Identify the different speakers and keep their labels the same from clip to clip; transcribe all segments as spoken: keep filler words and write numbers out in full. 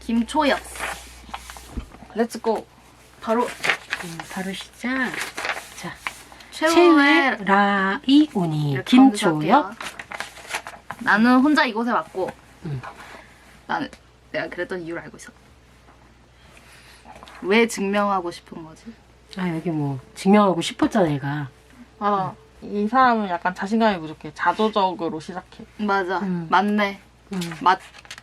Speaker 1: 김초엽.
Speaker 2: 렛츠고.
Speaker 1: 바로
Speaker 3: 음, 바로 시작. 자,
Speaker 1: 최후의
Speaker 3: 최후의 라이오니
Speaker 1: 이렇게
Speaker 3: 김초엽.
Speaker 1: 검색할게요. 나는 혼자 이곳에 왔고
Speaker 3: 음.
Speaker 1: 나는 내가 그랬던 이유를 알고 있어. 왜 증명하고 싶은 거지?
Speaker 3: 아 여기 뭐 증명하고 싶었잖아 얘가.
Speaker 2: 아, 이 사람은 약간 자신감이 부족해. 자조적으로 시작해.
Speaker 1: 맞아.
Speaker 3: 음.
Speaker 1: 맞네.
Speaker 3: 음.
Speaker 1: 맞.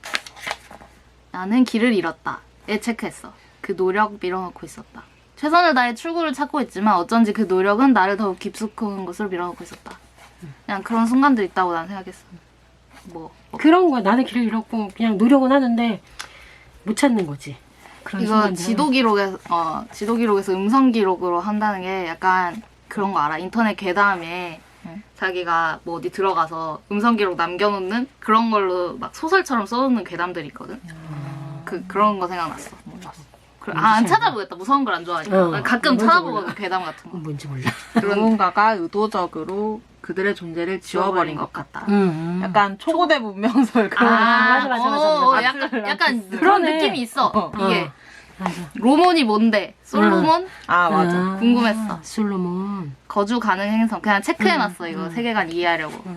Speaker 1: 나는 길을 잃었다. 에 체크했어. 그 노력 밀어넣고 있었다. 최선을 다해 출구를 찾고 있지만 어쩐지 그 노력은 나를 더욱 깊숙한 곳으로 밀어넣고 있었다. 그냥 그런 순간도 있다고 난 생각했어. 뭐, 뭐.
Speaker 3: 그런 거야. 나는 길을 잃었고 그냥 노력은 하는데 못 찾는 거지. 그런
Speaker 1: 이거
Speaker 3: 순간들은.
Speaker 1: 지도 기록에서 어 지도 기록에서 음성 기록으로 한다는 게 약간 그런 거 알아? 인터넷 괴담에
Speaker 2: 응.
Speaker 1: 자기가 뭐 어디 들어가서 음성 기록 남겨놓는 그런 걸로 막 소설처럼 써놓는 괴담들이 있거든.
Speaker 3: 아.
Speaker 1: 그 그런 거 생각났어.
Speaker 2: 몰랐어.
Speaker 1: 그, 아, 안 찾아보겠다. 무서운 걸 안 좋아하니까.
Speaker 3: 어,
Speaker 1: 난 가끔
Speaker 3: 뭔지
Speaker 1: 찾아보거든
Speaker 3: 몰라.
Speaker 1: 괴담 같은 거.
Speaker 3: 뭔지 몰라.
Speaker 1: 그런
Speaker 2: 누군가가 의도적으로 그들의 존재를 지워버린 것 같다.
Speaker 3: 음, 음.
Speaker 2: 약간 초고대 문명설 그런.
Speaker 3: 아, 맞아, 맞아, 맞아,
Speaker 1: 어,
Speaker 2: 맞아.
Speaker 1: 약간 약간 그런
Speaker 3: 그러네.
Speaker 1: 느낌이 있어.
Speaker 2: 어.
Speaker 1: 이게
Speaker 3: 어, 맞아.
Speaker 1: 로몬이 뭔데? 솔로몬?
Speaker 2: 아, 맞아.
Speaker 3: 아,
Speaker 1: 궁금했어.
Speaker 3: 솔로몬.
Speaker 1: 거주 가능 행성. 그냥 체크해놨어. 이거
Speaker 3: 음.
Speaker 1: 세계관 이해하려고.
Speaker 3: 음.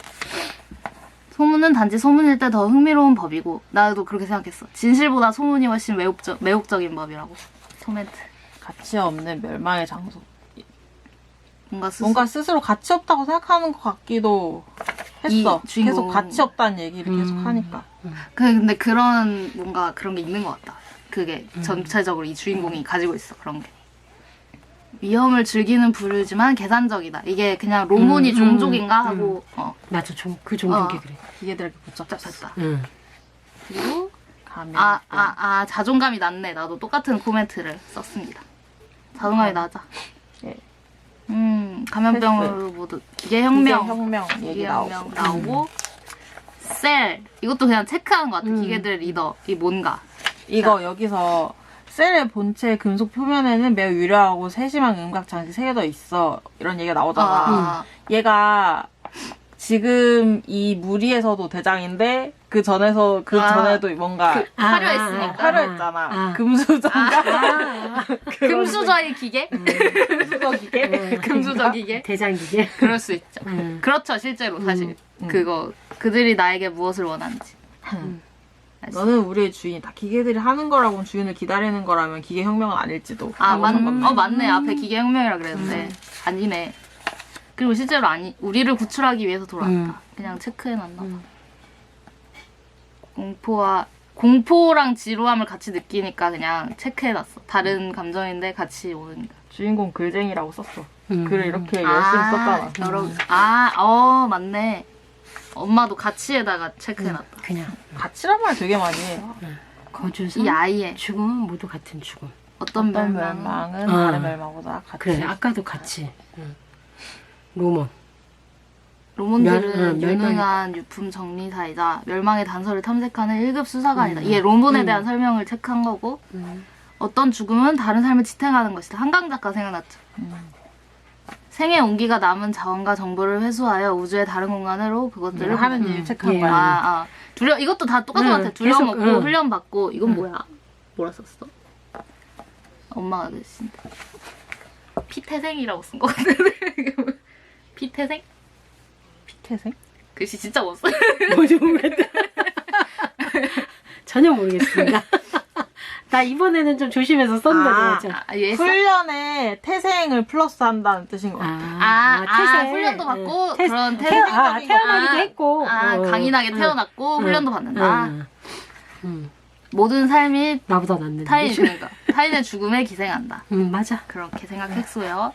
Speaker 1: 소문은 단지 소문일 때 더 흥미로운 법이고 나도 그렇게 생각했어. 진실보다 소문이 훨씬 매혹적, 매혹적인 법이라고. 코멘트.
Speaker 2: 가치 없는 멸망의 장소.
Speaker 1: 뭔가 스스
Speaker 2: 뭔가 스스로 가치 없다고 생각하는 것 같기도 했어.
Speaker 1: 이 주인공.
Speaker 2: 계속 가치 없다는 얘기를
Speaker 3: 음.
Speaker 2: 계속 하니까.
Speaker 1: 그, 근데 그런 뭔가 그런 게 있는 것 같다. 그게
Speaker 3: 음.
Speaker 1: 전체적으로 이 주인공이 가지고 있어. 그런 게. 위험을 즐기는 부류지만 계산적이다. 이게 그냥 로몬이
Speaker 3: 음, 음,
Speaker 1: 종족인가 하고 어,
Speaker 3: 맞아, 좀, 그 종족이
Speaker 1: 어.
Speaker 3: 그래.
Speaker 2: 기계들에게 붙잡혔어.
Speaker 1: 잡혔다.
Speaker 3: 응.
Speaker 1: 그리고
Speaker 2: 가면.
Speaker 1: 아, 아, 아, 자존감이 낮네. 나도 똑같은 코멘트를 썼습니다. 자존감이 낮아.
Speaker 2: 예.
Speaker 1: 음, 감염병으로 모두 기계혁명.
Speaker 2: 기계혁명 얘기 나오고.
Speaker 1: 기계혁명 나오고. 셀. 이것도 그냥 체크하는 것 같아.
Speaker 3: 음.
Speaker 1: 기계들의 리더. 이 뭔가.
Speaker 2: 이거 여기서 셀의 본체 금속 표면에는 매우 유려하고 세심한 음각 장치 세 개 더 있어. 이런 얘기가 나오잖아.
Speaker 1: 아,
Speaker 2: 얘가 지금 이 무리에서도 대장인데 그 전에서 그
Speaker 1: 아,
Speaker 2: 전에도 뭔가
Speaker 1: 그,
Speaker 3: 아,
Speaker 1: 화려했으니까.
Speaker 3: 아,
Speaker 2: 화려했잖아.
Speaker 3: 아.
Speaker 2: 금수저인가?
Speaker 3: 아,
Speaker 1: 금수저의 기계?
Speaker 2: 금수저 기계?
Speaker 3: 음.
Speaker 1: 금수저 기계?
Speaker 3: 대장기계.
Speaker 1: 그럴 수 있죠.
Speaker 3: 음.
Speaker 1: 그렇죠, 실제로 사실.
Speaker 2: 음.
Speaker 1: 그거, 그들이 나에게 무엇을 원하는지.
Speaker 2: 너는 우리의 주인이다. 기계들이 하는 거라고는 주인을 기다리는 거라면 기계혁명은 아닐지도.
Speaker 1: 아,
Speaker 2: 라고
Speaker 1: 맞,
Speaker 2: 상관없네.
Speaker 1: 어, 맞네. 앞에 기계혁명이라 그랬는데. 아니네. 그리고 실제로 아니, 우리를 구출하기 위해서 돌아왔다.
Speaker 3: 음.
Speaker 1: 그냥 체크해놨나 봐.
Speaker 3: 음.
Speaker 1: 공포와, 공포랑 지루함을 같이 느끼니까 그냥 체크해놨어. 다른 감정인데 같이 오니까.
Speaker 2: 주인공 글쟁이라고 썼어.
Speaker 3: 음.
Speaker 2: 글을 이렇게 열심히 썼잖아.
Speaker 1: 여러, 아, 어, 맞네. 엄마도 가치에다가 체크해놨다.
Speaker 3: 그냥
Speaker 2: 가치란 말 되게 많이 해.
Speaker 3: 거주선,
Speaker 1: 이 아이의
Speaker 3: 죽음은 모두 같은 죽음.
Speaker 1: 어떤
Speaker 2: 어떤
Speaker 1: 멸망.
Speaker 2: 멸망은
Speaker 3: 어.
Speaker 2: 다른 멸망보다 같이.
Speaker 3: 그래, 아까도 같이. 응. 로몬.
Speaker 1: 로몬들은
Speaker 3: 멸- 응, 멸망이-
Speaker 1: 유능한 유품 정리사이자 멸망의 단서를 탐색하는 일 급 수사관이다.
Speaker 3: 음.
Speaker 1: 이게 로몬에
Speaker 3: 음.
Speaker 1: 대한 설명을 체크한 거고
Speaker 3: 음.
Speaker 1: 어떤 죽음은 다른 삶을 지탱하는 것이다. 한강 작가 생각났죠.
Speaker 2: 음.
Speaker 1: 생의 온기가 남은 자원과 정보를 회수하여 우주의 다른 공간으로 그것들을
Speaker 2: 늘 하는
Speaker 1: 보내-
Speaker 2: 일
Speaker 3: 음.
Speaker 2: 체크한
Speaker 3: 예.
Speaker 2: 거야.
Speaker 1: 아, 아. 두려 이것도 다 똑같은 것
Speaker 3: 응,
Speaker 1: 같아. 두려먹고
Speaker 3: 계속, 응.
Speaker 1: 훈련받고 이건
Speaker 3: 응.
Speaker 1: 뭐야? 뭐라 썼어? 엄마가 그러신데 피태생이라고 쓴 것 같은데 피태생?
Speaker 2: 피태생?
Speaker 1: 글씨 진짜 못 써.
Speaker 3: 뭐지 모르겠다. 전혀 모르겠습니다. 나 이번에는 좀 조심해서 썼는데
Speaker 2: 아,
Speaker 3: 진짜.
Speaker 1: 아, 얘 써?
Speaker 2: 훈련에 태생을 플러스 한다는 뜻인 것 같아.
Speaker 1: 아, 아,
Speaker 3: 태생.
Speaker 1: 훈련도 받고
Speaker 3: 태-
Speaker 1: 그런
Speaker 3: 태어,
Speaker 1: 태생
Speaker 3: 아, 태어나기도
Speaker 1: 아,
Speaker 3: 했고.
Speaker 1: 아,
Speaker 3: 어.
Speaker 1: 강인하게
Speaker 3: 응.
Speaker 1: 태어났고
Speaker 3: 응.
Speaker 1: 훈련도 받는다.
Speaker 3: 응. 응.
Speaker 1: 모든 삶이
Speaker 3: 나보다 낫는데.
Speaker 1: 타인 그러니까 타인의 죽음에 기생한다.
Speaker 3: 응, 맞아.
Speaker 1: 그렇게 생각했어요.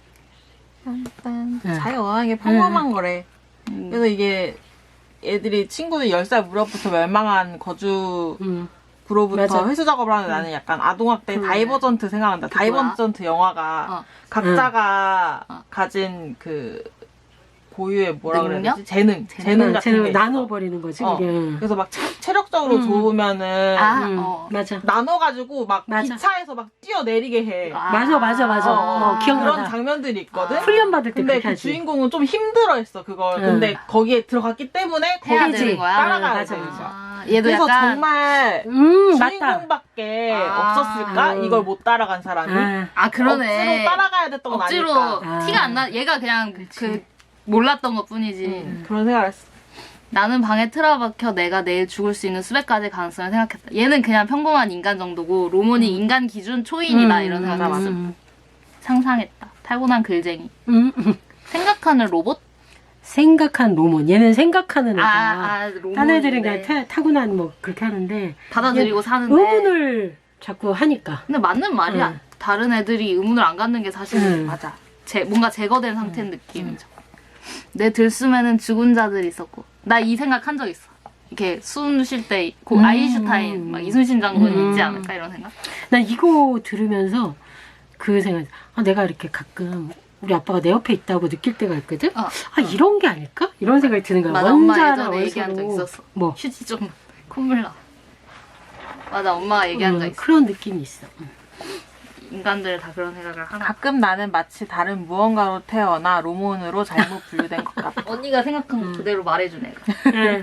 Speaker 2: 일단
Speaker 3: 응.
Speaker 2: 자유어하게 평범한 거래.
Speaker 1: 음.
Speaker 2: 그래서 이게 애들이 친구들 열 살 무렵부터 멸망한 거주
Speaker 3: 응.
Speaker 2: 구로부터
Speaker 3: 맞아.
Speaker 2: 회수 작업을 하는데 나는 약간 아동학대
Speaker 1: 그래.
Speaker 2: 다이버전트 생각난다.
Speaker 1: 그 뭐야?
Speaker 2: 다이버전트 영화가
Speaker 1: 어.
Speaker 2: 각자가
Speaker 1: 어.
Speaker 2: 가진 그 고유의 뭐라 그래야
Speaker 1: 능력?
Speaker 2: 되지? 재능.
Speaker 1: 재능.
Speaker 2: 재능
Speaker 3: 응,
Speaker 2: 같은
Speaker 3: 쟤는
Speaker 2: 게 있어.
Speaker 3: 나눠버리는 거지,
Speaker 2: 어.
Speaker 3: 그게. 응.
Speaker 2: 그래서 막 체, 체력적으로
Speaker 3: 음.
Speaker 2: 좋으면은
Speaker 1: 아,
Speaker 3: 응,
Speaker 1: 어.
Speaker 3: 맞아.
Speaker 2: 나눠가지고 막
Speaker 3: 맞아.
Speaker 2: 기차에서 막 뛰어내리게 해.
Speaker 1: 아.
Speaker 3: 맞아, 맞아, 맞아.
Speaker 2: 어,
Speaker 3: 어, 기억나.
Speaker 2: 그런 장면들이 있거든.
Speaker 1: 아.
Speaker 3: 훈련 받을 때
Speaker 2: 근데
Speaker 3: 그렇게
Speaker 2: 그
Speaker 3: 하지.
Speaker 2: 주인공은 좀 힘들어했어 그걸.
Speaker 3: 응.
Speaker 2: 근데 거기에 들어갔기 때문에
Speaker 1: 해야
Speaker 2: 거기지
Speaker 1: 되는 거야?
Speaker 2: 따라가야
Speaker 3: 맞아,
Speaker 2: 되는
Speaker 3: 맞아.
Speaker 2: 거야.
Speaker 1: 아. 아, 얘도
Speaker 2: 그래서
Speaker 1: 약간
Speaker 2: 정말
Speaker 3: 음, 맞다.
Speaker 2: 주인공밖에
Speaker 1: 아.
Speaker 2: 없었을까?
Speaker 3: 음.
Speaker 2: 이걸 못 따라간 사람이.
Speaker 3: 아,
Speaker 1: 아 그러네.
Speaker 2: 억지로 따라가야 됐던 건
Speaker 1: 억지로
Speaker 2: 아닐까.
Speaker 3: 아.
Speaker 1: 티가 안 나. 얘가 그냥 그 몰랐던 것 뿐이지.
Speaker 2: 음, 그런 생각을 했어.
Speaker 1: 나는 방에 틀어박혀 내가 내일 죽을 수 있는 수백 가지 가능성을 생각했다. 얘는 그냥 평범한 인간 정도고 로몬이 인간 기준 초인이다
Speaker 3: 음,
Speaker 1: 이런
Speaker 2: 맞아,
Speaker 1: 생각했어.
Speaker 2: 맞아.
Speaker 3: 음,
Speaker 1: 상상했다. 타고난 글쟁이.
Speaker 3: 음, 음.
Speaker 1: 생각하는 로봇?
Speaker 3: 생각한 로몬. 얘는 생각하는 애다.
Speaker 1: 아, 아 로봇.
Speaker 3: 딴 애들은 그냥 타, 타고난 뭐 그렇게 하는데
Speaker 1: 받아들이고 사는데.
Speaker 3: 의문을 자꾸 하니까.
Speaker 1: 근데 맞는 말이야.
Speaker 3: 응.
Speaker 1: 다른 애들이 의문을 안 갖는 게 사실
Speaker 3: 응.
Speaker 1: 맞아. 제, 뭔가 제거된 상태인 느낌이죠. 내 들숨에는 죽은 자들이 있었고. 나 이 생각 한 적 있어. 이렇게 숨 쉴 때
Speaker 3: 음.
Speaker 1: 아인슈타인, 막 이순신 장군이
Speaker 3: 음.
Speaker 1: 있지 않을까 이런 생각?
Speaker 3: 난 이거 들으면서 그 생각, 아, 내가 이렇게 가끔 우리 아빠가 내 옆에 있다고 느낄 때가 있거든?
Speaker 1: 어.
Speaker 3: 아, 이런 게 아닐까? 이런 생각이 드는 거야.
Speaker 1: 맞아, 엄마
Speaker 3: 원자랑
Speaker 1: 예전에 얘기한 적
Speaker 3: 원소로.
Speaker 1: 있었어.
Speaker 3: 뭐.
Speaker 1: 휴지 좀 콧물 나. 맞아, 엄마가 얘기한 적
Speaker 3: 음,
Speaker 1: 있어.
Speaker 3: 그런 느낌이 있어. 음.
Speaker 1: 인간들 다 그런 생각을 하나.
Speaker 2: 가끔 나는 마치 다른 무언가로 태어나 로몬으로 잘못 분류된 것 같아.
Speaker 1: 언니가 생각한 거 그대로 말해준 애가.
Speaker 3: 네.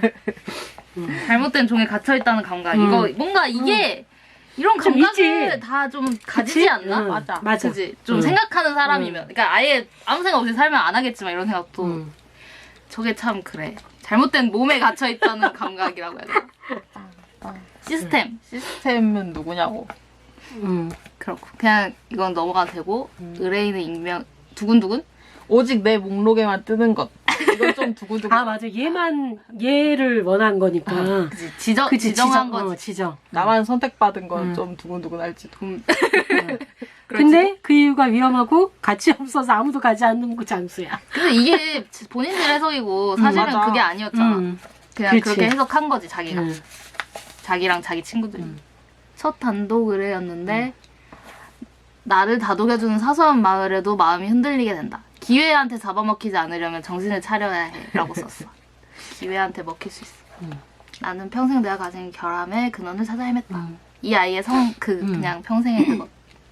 Speaker 1: 잘못된 종에 갇혀있다는 감각.
Speaker 3: 음.
Speaker 1: 이거 뭔가 이게 이런
Speaker 3: 좀
Speaker 1: 감각을
Speaker 3: 있지.
Speaker 1: 다 좀 가지지
Speaker 3: 그치?
Speaker 1: 않나?
Speaker 3: 응,
Speaker 2: 맞아.
Speaker 3: 맞아.
Speaker 1: 그지? 좀
Speaker 3: 응.
Speaker 1: 생각하는 사람이면. 그러니까 아예 아무 생각 없이 살면 안 하겠지만 이런 생각도
Speaker 3: 음.
Speaker 1: 저게 참 그래. 잘못된 몸에 갇혀있다는 감각이라고 해야 되나? 시스템.
Speaker 2: 시스템은 누구냐고.
Speaker 3: 음.
Speaker 1: 그렇고. 그냥 이건 넘어가도 되고 의뢰인의 익명 두근두근?
Speaker 2: 오직 내 목록에만 뜨는 것. 이건 좀 두고두고.
Speaker 3: 아, 맞아. 얘만, 얘를 원한 거니까.
Speaker 1: 그지? 지정,
Speaker 3: 그치,
Speaker 1: 지정한
Speaker 3: 지정,
Speaker 1: 거지.
Speaker 3: 어, 지정.
Speaker 2: 나만 선택받은 건
Speaker 3: 음.
Speaker 2: 좀 두근두근 할지도.
Speaker 1: 음.
Speaker 3: 근데 그 이유가 위험하고 가치 없어서 아무도 가지 않는 그 장소야.
Speaker 1: 근데 이게 본인들 해석이고 사실은
Speaker 2: 맞아.
Speaker 1: 그게 아니었잖아.
Speaker 3: 음.
Speaker 1: 그냥
Speaker 3: 그치.
Speaker 1: 그렇게 해석한 거지 자기가.
Speaker 3: 음.
Speaker 1: 자기랑 자기 친구들이.
Speaker 3: 음.
Speaker 1: 첫 단독 의뢰였는데 나를 다독여주는 사소한 말에도 마음이 흔들리게 된다. 기회한테 잡아먹히지 않으려면 정신을 차려야 해 라고 썼어. 기회한테 먹힐 수 있어.
Speaker 3: 음.
Speaker 1: 나는 평생 내가 가진 결함의 근원을 찾아 헤맸다.
Speaker 3: 음.
Speaker 1: 이 아이의 성, 그
Speaker 3: 음.
Speaker 1: 그냥 평생의 그것.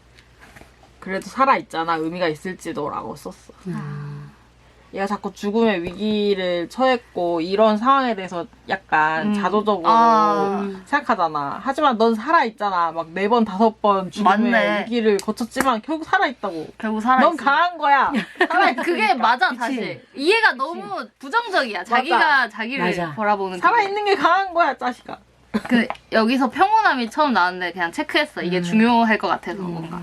Speaker 2: 그래도 살아있잖아. 의미가 있을지도라고 썼어.
Speaker 3: 음.
Speaker 2: 얘가 자꾸 죽음의 위기를 처했고 이런 상황에 대해서 약간
Speaker 1: 음.
Speaker 2: 자조적으로
Speaker 1: 아.
Speaker 2: 생각하잖아. 하지만 넌 살아있잖아. 막 네 번, 다섯 번 죽음의
Speaker 1: 맞네.
Speaker 2: 위기를 거쳤지만 결국 살아있다고.
Speaker 1: 결국 살아있어.
Speaker 2: 넌 강한 거야.
Speaker 1: 근데 그게 맞아
Speaker 3: 그치.
Speaker 1: 사실. 이해가 너무 부정적이야. 자기가 자기를
Speaker 3: 맞아.
Speaker 1: 바라보는.
Speaker 2: 살아있는 게 강한 거야, 짜식아.
Speaker 1: 그게. 그 여기서 평온함이 처음 나왔는데 그냥 체크했어. 이게
Speaker 3: 음.
Speaker 1: 중요할 것 같아서
Speaker 3: 음.
Speaker 1: 뭔가.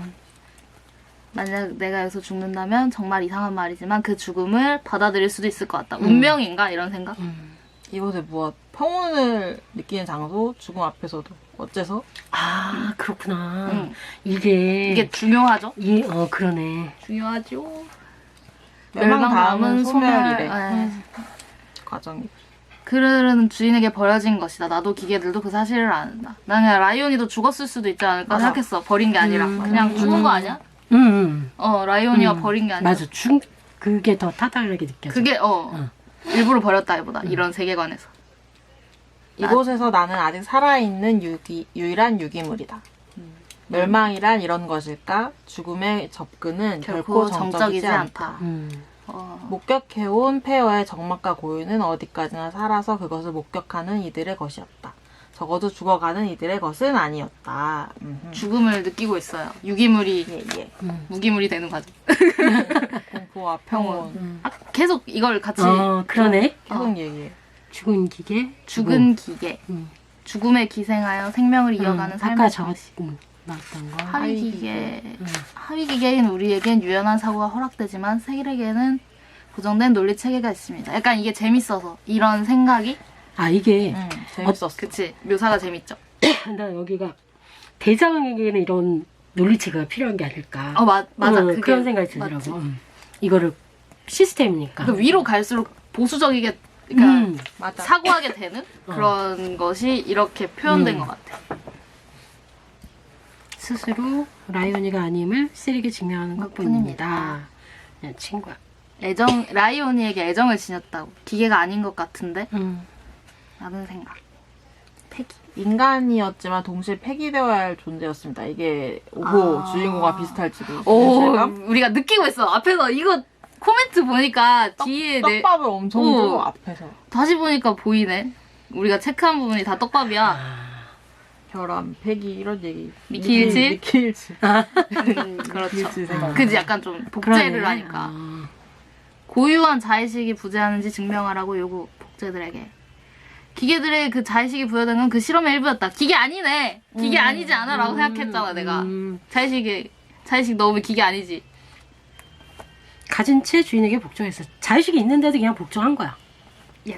Speaker 1: 만약 내가 여기서 죽는다면 정말 이상한 말이지만 그 죽음을 받아들일 수도 있을 것 같다.
Speaker 3: 음.
Speaker 1: 운명인가 이런 생각?
Speaker 3: 음.
Speaker 2: 이곳에 무엇? 평온을 느끼는 장소, 죽음 앞에서도. 어째서?
Speaker 3: 아, 그렇구나.
Speaker 1: 응.
Speaker 3: 이게.
Speaker 1: 이게 중요하죠?
Speaker 3: 이, 어, 그러네.
Speaker 1: 중요하죠.
Speaker 2: 멸망 다음은 소멸이래.
Speaker 1: 에.
Speaker 2: 과정이.
Speaker 1: 그들은 주인에게 버려진 것이다. 나도 기계들도 그 사실을 안다. 난 그냥 라이온이도 죽었을 수도 있지 않을까
Speaker 2: 맞아.
Speaker 1: 생각했어. 버린 게 아니라.
Speaker 3: 음.
Speaker 1: 그냥 죽은 거 아니야?
Speaker 3: 음, 음.
Speaker 1: 어, 라이온이가
Speaker 3: 음.
Speaker 1: 버린 게 아니라.
Speaker 3: 맞아. 중, 그게 더 타당하게 느껴져.
Speaker 1: 그게, 어,
Speaker 3: 응.
Speaker 1: 일부러 버렸다기보다.
Speaker 3: 음.
Speaker 1: 이런 세계관에서.
Speaker 2: 이곳에서 나는 아직 살아있는 유기, 유일한 유기물이다. 멸망이란 이런 것일까? 죽음의 접근은 결코,
Speaker 1: 결코
Speaker 2: 정적이지
Speaker 1: 정적이지
Speaker 2: 않다.
Speaker 1: 않다.
Speaker 3: 음.
Speaker 1: 어.
Speaker 2: 목격해온 폐허의 적막과 고유는 어디까지나 살아서 그것을 목격하는 이들의 것이었다. 적어도 죽어가는 이들의 것은 아니었다. 음흠.
Speaker 1: 죽음을 느끼고 있어요. 유기물이
Speaker 2: 예, 예.
Speaker 3: 음.
Speaker 1: 무기물이 되는 과정.
Speaker 2: 공포와 평온.
Speaker 3: 음.
Speaker 1: 아, 계속 이걸 같이
Speaker 3: 어, 그러네.
Speaker 2: 계속
Speaker 1: 어.
Speaker 2: 얘기해.
Speaker 3: 죽은 기계.
Speaker 1: 죽은 기계.
Speaker 3: 음.
Speaker 1: 죽음에 기생하여 생명을 이어가는
Speaker 3: 음,
Speaker 1: 삶의
Speaker 3: 아까 저,
Speaker 1: 방식.
Speaker 3: 음, 나왔던 거.
Speaker 1: 하위
Speaker 2: 하위
Speaker 1: 기계.
Speaker 3: 음.
Speaker 1: 하위 기계인 우리에겐 유연한 사고가 허락되지만 세계에게는 고정된 논리 체계가 있습니다. 약간 이게 재밌어서 이런 생각이
Speaker 3: 아, 이게,
Speaker 2: 음, 재밌었어.
Speaker 1: 그치 묘사가 재밌죠.
Speaker 3: 나 여기가 대장에게는 이런 논리체계가 필요한 게 아닐까.
Speaker 1: 어 맞, 맞아
Speaker 3: 어,
Speaker 1: 그게
Speaker 3: 그런 생각이 들더라고.
Speaker 1: 맞지.
Speaker 3: 음. 이거를 시스템이니까.
Speaker 1: 그 위로 갈수록 보수적이게 그러니까
Speaker 3: 음.
Speaker 2: 맞아.
Speaker 1: 사고하게 되는
Speaker 3: 어.
Speaker 1: 그런 것이 이렇게 표현된
Speaker 3: 음.
Speaker 1: 것 같아.
Speaker 3: 스스로 라이온이가 아님을 세리게 증명하는
Speaker 1: 것뿐입니다.
Speaker 3: 것뿐입니다. 그냥 친구야.
Speaker 1: 애정 라이오니에게 애정을 지녔다고. 기계가 아닌 것 같은데
Speaker 3: 음.
Speaker 1: 라는 생각. 폐기.
Speaker 2: 인간이었지만 동시에 폐기되어야 할 존재였습니다. 이게 오호
Speaker 1: 아.
Speaker 2: 주인공과 비슷할지도.
Speaker 1: 오
Speaker 2: 실감?
Speaker 1: 우리가 느끼고 있어. 앞에서 이거 코멘트 보니까 뒤에 내
Speaker 2: 떡밥을 엄청
Speaker 1: 오.
Speaker 2: 줘 앞에서.
Speaker 1: 다시 보니까 보이네. 우리가 체크한 부분이 다 떡밥이야.
Speaker 2: 결함, 폐기 이런 얘기.
Speaker 1: 미키일치?
Speaker 2: 미키일치.
Speaker 1: 음, 그렇죠.
Speaker 2: 미키일치 생각.
Speaker 1: 그지 약간 좀 복제를
Speaker 3: 그러네.
Speaker 1: 하니까.
Speaker 3: 아.
Speaker 1: 고유한 자의식이 부재하는지 증명하라고 요구 복제들에게. 기계들의 그 자의식이 부여된 건 그 실험의 일부였다. 기계 아니네. 기계
Speaker 2: 음.
Speaker 1: 아니지 않아? 라고 생각했잖아 내가.
Speaker 3: 음.
Speaker 1: 자의식이 자의식 넣으면 기계 아니지.
Speaker 3: 가진 채 주인에게 복종했어. 자의식이 있는데도 그냥 복종한 거야.
Speaker 1: 예스.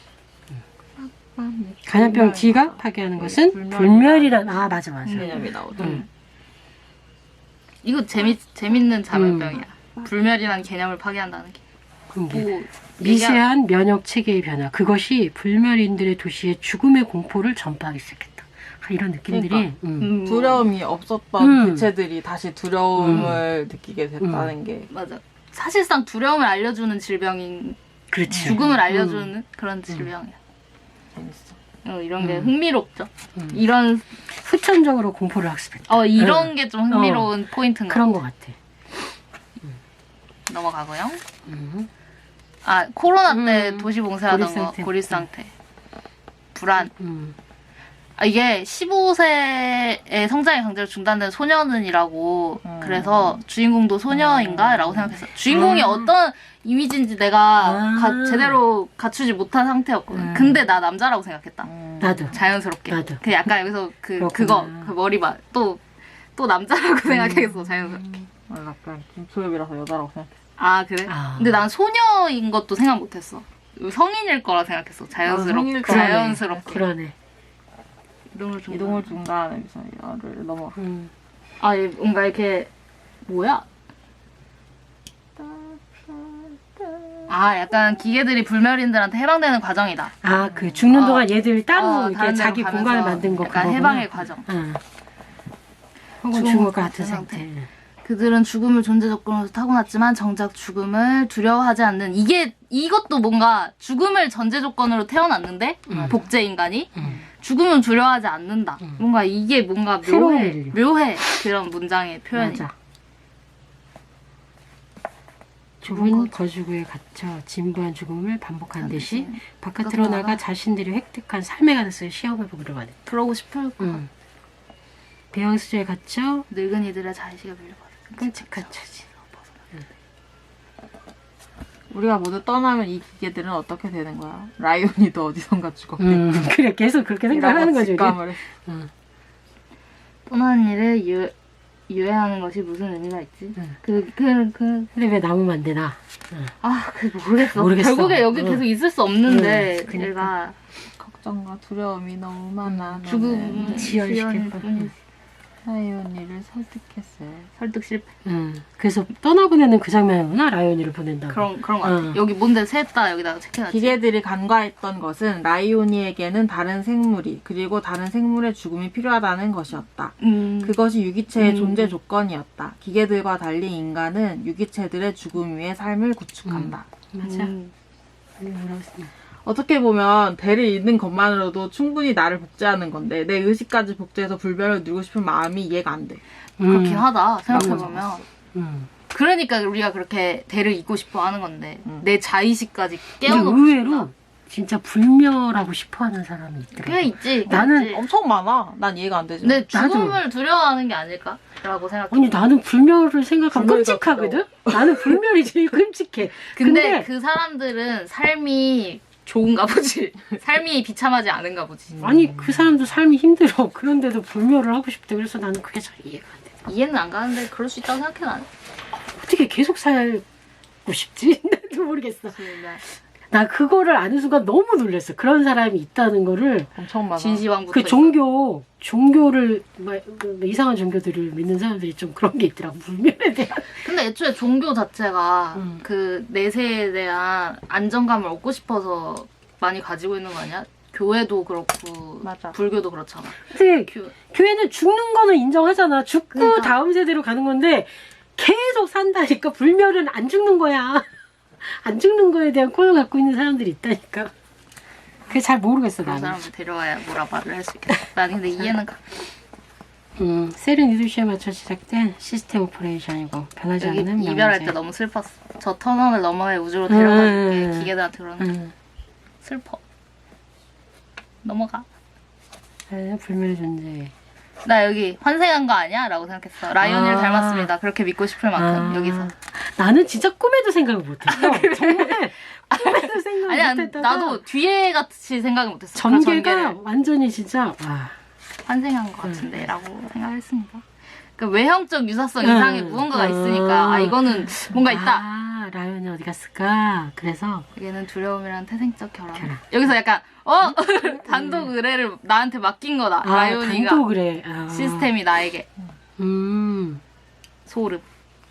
Speaker 3: 간염병 D가 파괴하는 것은
Speaker 2: 불멸이란-
Speaker 3: 불멸이란 아 맞아 맞아.
Speaker 2: 개념이 나오죠.
Speaker 3: 음.
Speaker 1: 이거 재미 재밌는 자멸병이야. 불멸이라는 개념을 파괴한다는 게.
Speaker 3: 그런 게
Speaker 1: 뭐
Speaker 3: 미세한 면역 체계의 변화. 그것이 불멸인들의 도시에 죽음의 공포를 전파하기 시작했다. 아, 이런 느낌들이.
Speaker 2: 그러니까.
Speaker 3: 음.
Speaker 1: 음,
Speaker 2: 두려움이 없었던
Speaker 3: 음.
Speaker 2: 개체들이 다시 두려움을 느끼게 됐다는 게
Speaker 1: 맞아. 사실상 두려움을 알려주는 질병인
Speaker 3: 그렇지.
Speaker 1: 죽음을 알려주는 그런 질병이야.
Speaker 2: 재밌어.
Speaker 1: 어, 이런 게
Speaker 3: 음.
Speaker 1: 흥미롭죠.
Speaker 3: 음.
Speaker 1: 이런
Speaker 3: 후천적으로 공포를 학습했다.
Speaker 1: 어 이런
Speaker 3: 음.
Speaker 1: 게 좀 흥미로운 포인트인 거.
Speaker 3: 그런 것 같아.
Speaker 1: 넘어가고요.
Speaker 3: 음.
Speaker 1: 아 코로나 때
Speaker 3: 음.
Speaker 1: 도시 봉쇄하던
Speaker 3: 고립
Speaker 1: 거
Speaker 3: 상태.
Speaker 1: 고립 상태. 불안.
Speaker 3: 음.
Speaker 1: 아, 이게 십오 세의 성장이 강제로 중단된 소년은이라고
Speaker 2: 음.
Speaker 1: 그래서 주인공도 소녀인가? 라고 생각했어. 주인공이
Speaker 3: 아.
Speaker 1: 어떤 이미지인지 내가
Speaker 3: 아.
Speaker 1: 가- 제대로 갖추지 못한 상태였거든.
Speaker 3: 음.
Speaker 1: 근데 나 남자라고 생각했다.
Speaker 2: 음.
Speaker 3: 나도.
Speaker 1: 자연스럽게.
Speaker 3: 나도.
Speaker 1: 그 약간 여기서 그
Speaker 3: 그렇구나.
Speaker 1: 그거 그 머리 봐. 또 또 남자라고 생각했어. 자연스럽게.
Speaker 2: 아, 약간 김초엽이라서 여자라고 생각했어.
Speaker 1: 아 그래?
Speaker 3: 아.
Speaker 1: 근데 난 소녀인 것도 생각 못했어. 성인일 거라 생각했어.
Speaker 2: 나도
Speaker 1: 자연스럽게.
Speaker 2: 성인일 거라
Speaker 1: 자연스럽게.
Speaker 3: 그러네.
Speaker 1: 이동을 좀.
Speaker 2: 이동을 중단하는 미션을 넘어.
Speaker 3: 음.
Speaker 1: 아, 얘 뭔가 이렇게 뭐야? 아, 약간 기계들이 불멸인들한테 해방되는 과정이다.
Speaker 3: 아, 그 죽는
Speaker 1: 어.
Speaker 3: 동안 얘들 따로
Speaker 1: 어,
Speaker 3: 이렇게
Speaker 1: 다른 데로
Speaker 3: 자기
Speaker 1: 가면서
Speaker 3: 공간을 만든 거
Speaker 1: 약간
Speaker 3: 그거구나.
Speaker 1: 해방의 과정.
Speaker 3: 응. 혹은
Speaker 1: 죽은
Speaker 3: 죽을
Speaker 1: 것
Speaker 3: 것 같은
Speaker 1: 같은
Speaker 3: 상태.
Speaker 1: 그들은 죽음을 존재 조건으로 타고났지만 정작 죽음을 두려워하지 않는 이게 이것도 뭔가 죽음을 전제 조건으로 태어났는데
Speaker 3: 음.
Speaker 1: 복제 인간이
Speaker 3: 음.
Speaker 1: 죽음은 두려워하지 않는다.
Speaker 3: 음.
Speaker 1: 뭔가 이게 뭔가
Speaker 3: 새로운
Speaker 1: 묘해,
Speaker 3: 인류.
Speaker 1: 묘해 그런 문장의 표현이.
Speaker 3: 맞아.
Speaker 1: 죽은
Speaker 3: 좁은
Speaker 1: 거죠.
Speaker 3: 거주구에 갇혀 진부한 죽음을 반복한 듯이
Speaker 1: 반드시
Speaker 3: 바깥으로
Speaker 1: 바깥으로
Speaker 3: 나가
Speaker 1: 나가
Speaker 3: 자신들이 획득한 삶의 가능성을 시험해보기로 하네.
Speaker 1: 그러고 싶을 거.
Speaker 3: 응. 배양수조에 갇혀
Speaker 1: 늙은이들의 자의식에 물려받은
Speaker 3: 끔찍한 처지.
Speaker 2: 우리가 모두 떠나면 이 기계들은 어떻게 되는 거야? 라이온이도 어디선가 죽었겠지.
Speaker 3: 음, 그래 계속 그렇게 생각하는 거죠. 우리.
Speaker 2: 직감을 했어.
Speaker 3: 응.
Speaker 1: 떠나는 일을 유, 유예하는 것이 무슨 의미가 있지?
Speaker 3: 응.
Speaker 1: 그, 그, 그,
Speaker 3: 근데 왜 나오면 안 되나?
Speaker 1: 아, 그 모르겠어.
Speaker 3: 모르겠어.
Speaker 1: 결국에 여기
Speaker 3: 응.
Speaker 1: 계속 있을 수 없는데,
Speaker 3: 응, 그니까.
Speaker 1: 얘가
Speaker 2: 걱정과 두려움이 너무 많아.
Speaker 1: 죽음,
Speaker 2: 너는
Speaker 3: 지연시킬
Speaker 1: 지연일
Speaker 3: 뻔.
Speaker 1: 뿐이지.
Speaker 2: 라이온이를 설득했어요.
Speaker 1: 설득 실패.
Speaker 3: 응. 그래서 떠나보내는 그 장면이구나. 라이온이를 보낸다고.
Speaker 1: 그런, 그런 거 같아.
Speaker 3: 응.
Speaker 1: 여기 뭔데 셋다 여기다가 체크해놨지.
Speaker 2: 기계들이 간과했던 것은 라이오니에게는 다른 생물이 그리고 다른 생물의 죽음이 필요하다는 것이었다.
Speaker 1: 음,
Speaker 2: 그것이 유기체의
Speaker 1: 음.
Speaker 2: 존재 조건이었다. 기계들과 달리 인간은 유기체들의 죽음 위에 삶을 구축한다.
Speaker 3: 맞아.
Speaker 1: 음,
Speaker 3: 음.
Speaker 2: 어떻게 보면 배를 잇는 것만으로도 충분히 나를 복제하는 건데 내 의식까지 복제해서 불변을 누리고 싶은 마음이 이해가 안 돼.
Speaker 1: 그렇긴
Speaker 3: 음.
Speaker 1: 하다. 생각해보면.
Speaker 3: 음.
Speaker 1: 그러니까 우리가 그렇게 대를 잇고 싶어 하는 건데,
Speaker 2: 음.
Speaker 1: 내 자의식까지
Speaker 3: 근데
Speaker 1: 깨워놓고
Speaker 3: 의외로
Speaker 1: 싶다.
Speaker 3: 진짜 불멸하고 싶어하는 사람이 있더라고.
Speaker 1: 꽤 있지.
Speaker 3: 나는
Speaker 1: 있지.
Speaker 2: 엄청 많아. 난 이해가 안 되지.
Speaker 1: 근데
Speaker 3: 나도.
Speaker 1: 죽음을 두려워하는 게 아닐까? 라고 생각해.
Speaker 3: 아니 나는 불멸을 생각하면
Speaker 2: 불멸이
Speaker 3: 끔찍하거든? 나는 불멸이 제일 끔찍해.
Speaker 1: 근데,
Speaker 3: 근데,
Speaker 1: 그 사람들은 삶이 좋은가 보지. 삶이 비참하지 않은가 보지.
Speaker 3: 아니 그 사람도 삶이 힘들어. 그런데도 불멸을 하고 싶대. 그래서 나는 그게 잘 이해가 안 돼.
Speaker 1: 이해는 안 가는데 그럴 수 있다고 생각해 나는.
Speaker 3: 어떻게 계속 살고 싶지? 나도 모르겠어. 나 그거를 아는 순간 너무 놀랐어. 그런 사람이 있다는 거를.
Speaker 2: 엄청 많아.
Speaker 1: 진시황부터
Speaker 3: 그
Speaker 1: 있어.
Speaker 3: 종교, 종교를, 뭐, 뭐 이상한 종교들을 믿는 사람들이 좀 그런 게 있더라고. 불멸에 대한.
Speaker 1: 근데 애초에 종교 자체가
Speaker 3: 음.
Speaker 1: 그 내세에 대한 안정감을 얻고 싶어서 많이 가지고 있는 거 아니야? 교회도 그렇고
Speaker 2: 맞아.
Speaker 1: 불교도 그렇잖아.
Speaker 3: 근데
Speaker 1: 교...
Speaker 3: 교회는 죽는 거는 인정하잖아. 죽고
Speaker 1: 그러니까.
Speaker 3: 다음 세대로 가는 건데 계속 산다니까. 불멸은 안 죽는 거야. 안 죽는 거에 대한 꼴을 갖고 있는 사람들이 있다니까. 그게 잘 모르겠어
Speaker 1: 그런
Speaker 3: 나는.
Speaker 1: 사람을 데려와야 뭐라 말을 할 수 있겠다. 나는 근데 이해는 가.
Speaker 3: 음, 셀은 이두시에 맞춰 시작된 시스템 오퍼레이션이고 변하지
Speaker 1: 여기
Speaker 3: 않는
Speaker 1: 이별할
Speaker 3: 명제.
Speaker 1: 때 너무 슬펐어. 저 터널을 너머의 우주로 데려가는
Speaker 3: 음.
Speaker 1: 게 기계들한테 그러는 게
Speaker 3: 음.
Speaker 1: 슬퍼. 넘어가.
Speaker 3: 아, 불멸 존재.
Speaker 1: 나 여기 환생한 거 아니야? 라고 생각했어. 라이온이를
Speaker 3: 아.
Speaker 1: 닮았습니다. 그렇게 믿고 싶을 만큼
Speaker 3: 아,
Speaker 1: 여기서.
Speaker 3: 나는 진짜 꿈에도 생각을 못했어. 정말 꿈에도 생각
Speaker 1: 아니야,
Speaker 3: 못했다가
Speaker 1: 나도 뒤에 같이 생각을 못했어. 그런
Speaker 3: 전개가
Speaker 1: 전개를
Speaker 3: 완전히 진짜 와.
Speaker 1: 환생한 것 같은데 라고 생각했습니다. 그러니까 외형적 유사성
Speaker 3: 음.
Speaker 1: 이상의 무언가가 있으니까 아 이거는 뭔가 있다.
Speaker 3: 아, 라이온이 어디 갔을까? 그래서
Speaker 1: 얘는 두려움이란 태생적 결함.
Speaker 3: 결함.
Speaker 1: 여기서 약간 어? 단독 의뢰를 나한테 맡긴 거다.
Speaker 3: 아,
Speaker 1: 라이온이가
Speaker 3: 단도 그래. 아.
Speaker 1: 시스템이 나에게.
Speaker 3: 음.
Speaker 1: 소름.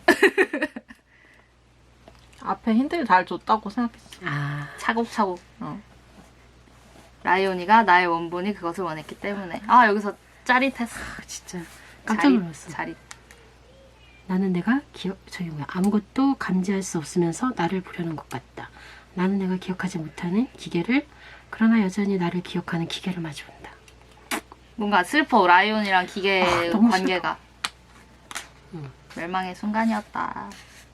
Speaker 2: 앞에 힌트를 잘 줬다고 생각했어.
Speaker 3: 아.
Speaker 1: 차곡차곡.
Speaker 2: 어.
Speaker 1: 라이온이가 나의 원본이 그것을 원했기 때문에. 아 여기서 짜릿했어.
Speaker 3: 진짜 깜짝 놀랐어.
Speaker 1: 자릿.
Speaker 3: 나는 내가 기억 저기 뭐야 아무것도 감지할 수 없으면서 나를 보려는 것 같다. 나는 내가 기억하지 못하는 기계를 그러나 여전히 나를 기억하는 기계를 마주본다.
Speaker 1: 뭔가 슬퍼. 라이온이랑 기계
Speaker 3: 아, 너무
Speaker 1: 관계가.
Speaker 3: 응.
Speaker 1: 멸망의 순간이었다.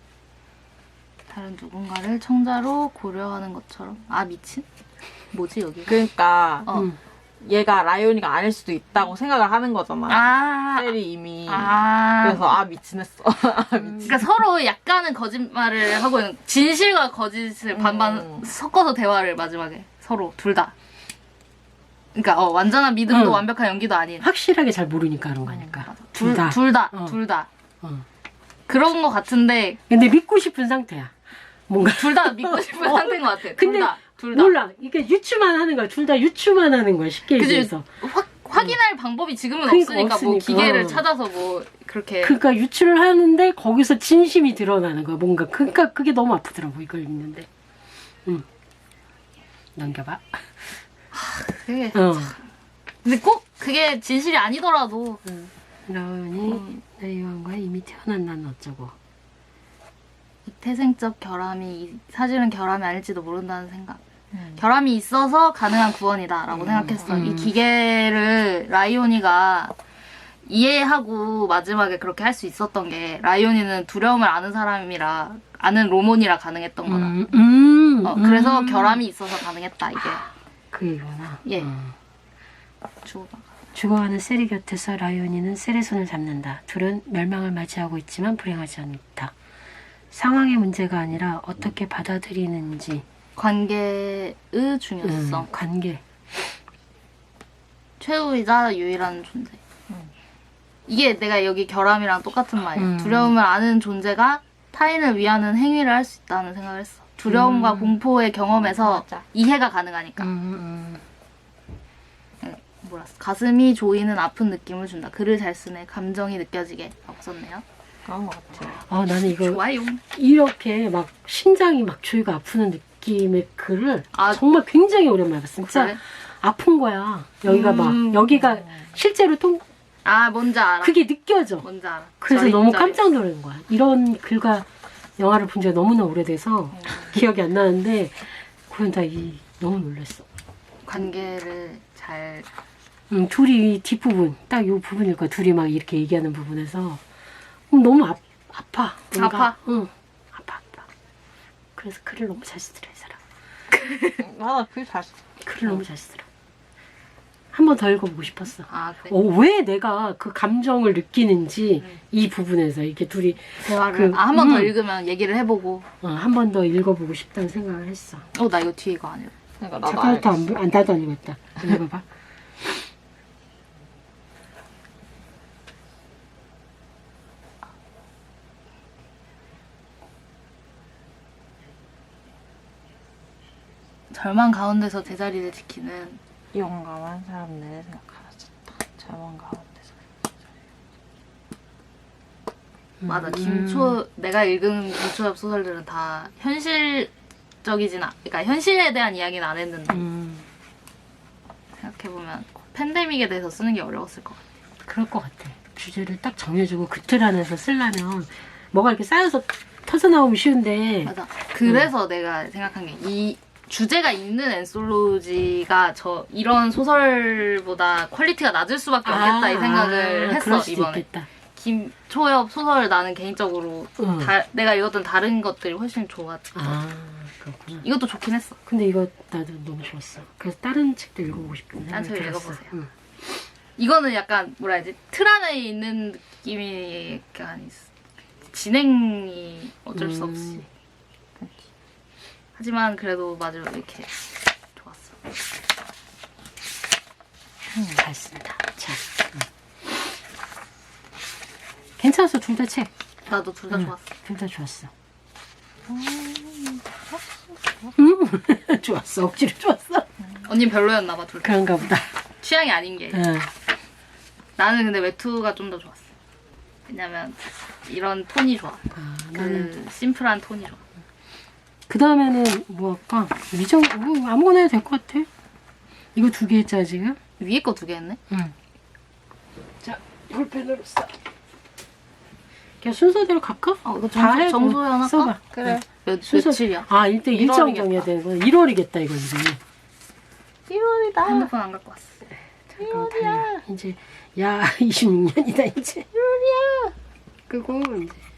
Speaker 1: 다른 누군가를 청자로 고려하는 것처럼. 아 미친? 뭐지 여기?
Speaker 2: 그러니까
Speaker 1: 어.
Speaker 3: 음.
Speaker 2: 얘가 라이온이가 아닐 수도 있다고 생각을 하는 거잖아.
Speaker 1: 아.
Speaker 2: 셀이 이미.
Speaker 1: 아.
Speaker 2: 그래서 아 미친했어. 아, 미친.
Speaker 1: 그러니까 서로 약간은 거짓말을 하고 있는 진실과 거짓을 반반
Speaker 2: 음.
Speaker 1: 섞어서 대화를 마지막에 서로 둘 다. 그러니까 어, 완전한 믿음도
Speaker 3: 응.
Speaker 1: 완벽한 연기도 아닌.
Speaker 3: 확실하게 잘 모르니까 그런 거니까.
Speaker 1: 둘
Speaker 3: 둘 다.
Speaker 1: 둘 다.
Speaker 3: 어.
Speaker 1: 둘 다.
Speaker 3: 어.
Speaker 1: 그런 거 같은데
Speaker 3: 근데 믿고 싶은 상태야. 뭔가
Speaker 1: 둘 다 믿고 싶은 상태인 것 같아. 둘
Speaker 3: 근데
Speaker 1: 다. 둘 다.
Speaker 3: 몰라. 이게 유추만 하는 거야. 둘 다 유추만 하는 거야. 쉽게
Speaker 1: 그지?
Speaker 3: 얘기해서.
Speaker 1: 확 확인할 방법이 지금은
Speaker 3: 그러니까
Speaker 1: 없으니까 뭐
Speaker 3: 없으니까.
Speaker 1: 기계를
Speaker 3: 어.
Speaker 1: 찾아서 뭐 그렇게
Speaker 3: 그러니까 유추를 하는데 거기서 진심이 드러나는 거야. 뭔가 그러니까 그게 너무 아프더라고 이걸 읽는데. 응. 넘겨봐.
Speaker 1: 그게
Speaker 3: 어.
Speaker 1: 근데 꼭 그게 진실이 아니더라도
Speaker 3: 라온이
Speaker 1: 음.
Speaker 3: 내 요한과 이미 태어난 난 어쩌고.
Speaker 1: 이 태생적 결함이 이 사실은 결함이 아닐지도 모른다는 생각.
Speaker 2: 음.
Speaker 1: 결함이 있어서 가능한 구원이다라고
Speaker 2: 음.
Speaker 1: 생각했어.
Speaker 3: 음.
Speaker 1: 이 기계를 라이오니가 이해하고 마지막에 그렇게 할 수 있었던 게 라이오니는 두려움을 아는 사람이라 아는 로몬이라 가능했던 거다.
Speaker 3: 음, 음,
Speaker 1: 어, 그래서
Speaker 3: 음.
Speaker 1: 결함이 있어서 가능했다 이게.
Speaker 3: 그 얘기구나.
Speaker 1: 예.
Speaker 3: 어.
Speaker 1: 주고받아.
Speaker 3: 죽어가는 셀이 곁에서 라이온이는 셀의 손을 잡는다. 둘은 멸망을 맞이하고 있지만 불행하지 않다. 상황의 문제가 아니라 어떻게 받아들이는지.
Speaker 1: 관계의 중요성.
Speaker 3: 음, 관계.
Speaker 1: 최후이자 유일한 존재.
Speaker 2: 음.
Speaker 1: 이게 내가 여기 결함이랑 똑같은 말이야.
Speaker 3: 음.
Speaker 1: 두려움을 아는 존재가 타인을 위하는 행위를 할 수 있다는 생각을 했어. 두려움과
Speaker 3: 음.
Speaker 1: 공포의 경험에서
Speaker 2: 맞아.
Speaker 1: 이해가 가능하니까.
Speaker 3: 음, 음.
Speaker 1: 뭐라 써? 가슴이 조이는 아픈 느낌을 준다. 글을 잘 쓰네. 감정이 느껴지게. 라고 썼네요.
Speaker 2: 그런 것 같아.
Speaker 3: 아, 나는 이거
Speaker 1: 좋아요.
Speaker 3: 이렇게 막 심장이 막 조이가 아프는 느낌의 글을
Speaker 1: 아,
Speaker 3: 정말 굉장히 오랜만에 봤어. 진짜
Speaker 1: 그래?
Speaker 3: 아픈 거야. 여기가
Speaker 1: 음.
Speaker 3: 막 여기가 실제로 통
Speaker 1: 아, 뭔지 알아.
Speaker 3: 그게 느껴져.
Speaker 1: 뭔지 알아.
Speaker 3: 그래서
Speaker 1: 저리,
Speaker 3: 너무
Speaker 1: 저리.
Speaker 3: 깜짝 놀란 거야. 이런 글과 영화를 본 지가 너무나 오래돼서 기억이 안 나는데 그건 다 이, 너무 놀랐어.
Speaker 1: 관계를 잘.
Speaker 3: 음, 둘이 뒷부분 딱 요 부분일 거야. 둘이 막 이렇게 얘기하는 부분에서 음, 너무 아, 아파. 뭔가.
Speaker 1: 아파?
Speaker 3: 응. 아파 아파. 그래서 글을 너무 잘 쓰더라 이 사람.
Speaker 2: 맞아, 그게 잘 써.
Speaker 3: 글을 너무 잘 쓰더라. 한 번 더 읽어보고 싶었어.
Speaker 1: 아, 그래.
Speaker 3: 어, 왜 내가 그 감정을 느끼는지
Speaker 1: 음.
Speaker 3: 이 부분에서 이렇게 둘이
Speaker 1: 대화를.
Speaker 3: 그-
Speaker 1: 아, 한 번 더
Speaker 3: 음.
Speaker 1: 읽으면 얘기를 해보고.
Speaker 3: 어, 한 번 더 읽어보고 싶다는 생각을 했어.
Speaker 1: 어, 나 이거 뒤에 이거 아니야.
Speaker 2: 그러니까 나도
Speaker 3: 잠깐부터 안,
Speaker 2: 알겠어.
Speaker 3: 안 나도 안 읽었다. 읽어봐.
Speaker 1: 절망 가운데서 제자리를 지키는
Speaker 2: 용감한 사람들의 생각하셨다. 절망 가운데서.
Speaker 1: 맞아.
Speaker 3: 음.
Speaker 1: 김초 내가 읽은 김초엽 소설들은 다 현실적이진 않. 그러니까 현실에 대한 이야기는 안 했는데
Speaker 3: 음,
Speaker 1: 생각해 보면 팬데믹에 대해서 쓰는 게 어려웠을 것 같아.
Speaker 3: 그럴 것 같아. 주제를 딱 정해주고 그 틀 안에서 쓰려면 뭐가 이렇게 쌓여서 터져 나오면 쉬운데
Speaker 1: 맞아. 그래서 내가 생각한 게 이 주제가 있는 엔솔로지가 저 이런 소설보다 퀄리티가 낮을 수밖에 없겠다 이 생각을
Speaker 3: 아,
Speaker 1: 했어
Speaker 3: 그럴 수도
Speaker 1: 이번에.
Speaker 3: 있겠다.
Speaker 1: 김초엽 소설 나는 개인적으로
Speaker 3: 응.
Speaker 1: 다, 내가 읽었던 다른 것들이 훨씬 좋았어.
Speaker 3: 아, 그렇구나.
Speaker 1: 이것도 좋긴 했어.
Speaker 3: 근데 이거 나도 너무 좋았어. 그래서 다른 책도 읽어보고 싶은데.
Speaker 1: 다른 책
Speaker 3: 들었어.
Speaker 1: 읽어보세요.
Speaker 3: 응.
Speaker 1: 이거는 약간 뭐라 해야지 틀 안에 있는 느낌이 약간 있- 진행이 어쩔 수
Speaker 3: 음.
Speaker 1: 없이. 하지만 그래도 맞아 이렇게 좋았어.
Speaker 3: 음, 잘 쓴다. 자, 응. 괜찮았어. 둘 다 책.
Speaker 1: 나도 둘 다
Speaker 3: 응.
Speaker 1: 좋았어.
Speaker 3: 둘 다 좋았어. 음, 좋았어. 억지로 좋았어.
Speaker 1: 언니 별로였나 봐 둘 다.
Speaker 3: 그런가 보다.
Speaker 1: 취향이 아닌 게.
Speaker 3: 응.
Speaker 1: 나는 근데 외투가 좀 더 좋았어. 왜냐면 이런 톤이 좋아.
Speaker 3: 아,
Speaker 1: 그
Speaker 3: 나는
Speaker 1: 심플한 톤이 좋아.
Speaker 3: 그 다음에는 뭐 할까? 미정 뭐 아무거나 해도 될 것 같아. 이거 두 개 했잖아 지금.
Speaker 1: 위에 거 두 개 했네.
Speaker 3: 응. 자, 볼펜으로 써. 그냥 순서대로 갈까?
Speaker 1: 어, 이거
Speaker 3: 다
Speaker 1: 정소,
Speaker 3: 해.
Speaker 1: 정소연 할까?
Speaker 3: 써봐.
Speaker 1: 그래. 몇,
Speaker 3: 순서-
Speaker 1: 며칠이야?
Speaker 3: 아, 일단 일정
Speaker 1: 일월이겠다.
Speaker 3: 정해야 되는 거야. 일월이겠다 이거 이제.
Speaker 1: 일월이다. 핸드폰 안 갖고 왔어.
Speaker 3: 잠깐 달려. 이제 야 이십육 년이다 이제. 일월이야. 끄고 이제